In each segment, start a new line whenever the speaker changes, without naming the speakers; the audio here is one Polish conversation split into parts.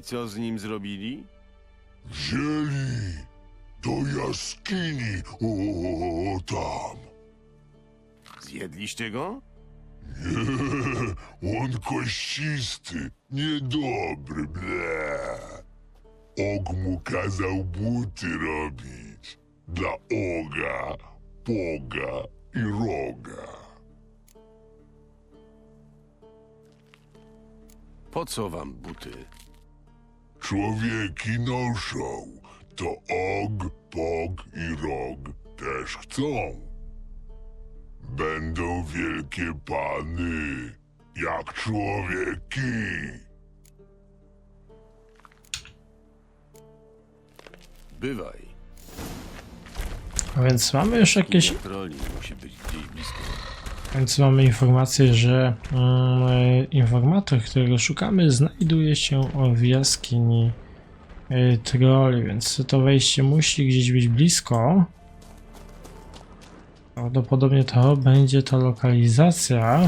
co z nim zrobili?
Wzięli do jaskini, o tam.
Zjedliście go?
Nie, on kościsty, niedobry, ble. Og mu kazał buty robić. Dla Oga, Boga i Roga.
Po co wam buty?
Człowieki noszą, to Og, Bog i Rog też chcą. Będą wielkie pany, jak człowieki.
Bywaj.
A więc mamy już jakieś...
Troli musi być gdzieś blisko.
Więc mamy informację, że informator, którego szukamy, znajduje się w jaskini troli, więc to wejście musi gdzieś być blisko. Prawdopodobnie to będzie ta lokalizacja.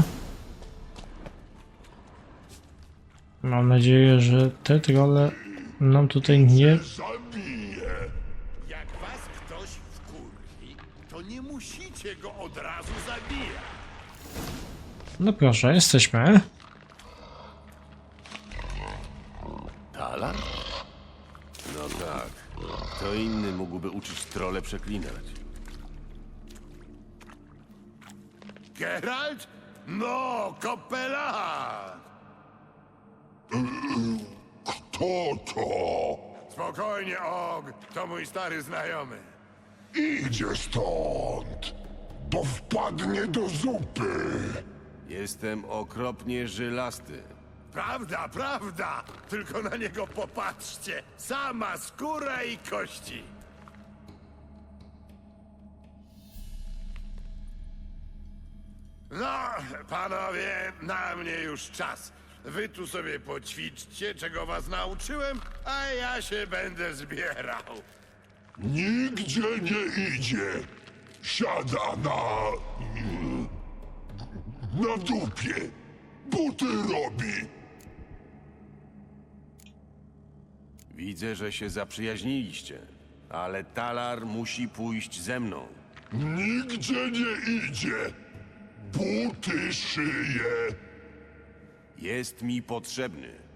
Mam nadzieję, że te trolle nam tutaj nie...
Zabiję.
Jak was ktoś wkurwi, to nie musicie go od razu zabijać.
No proszę, jesteśmy.
Talar? No tak. Kto inny mógłby uczyć trole przeklinać?
Geralt? No, kopela!
Kto to?
Spokojnie, Og, to mój stary znajomy.
Idzie stąd, bo wpadnie do zupy.
Jestem okropnie żylasty.
Prawda, prawda! Tylko na niego popatrzcie. Sama skóra i kości. No, panowie, na mnie już czas. Wy tu sobie poćwiczcie, czego was nauczyłem, a ja się będę zbierał.
Nigdzie nie idzie. Siada na dupie. Buty robi.
Widzę, że się zaprzyjaźniliście. Ale Talar musi pójść ze mną.
Nigdzie nie idzie. Buty szyje.
Jest mi potrzebny.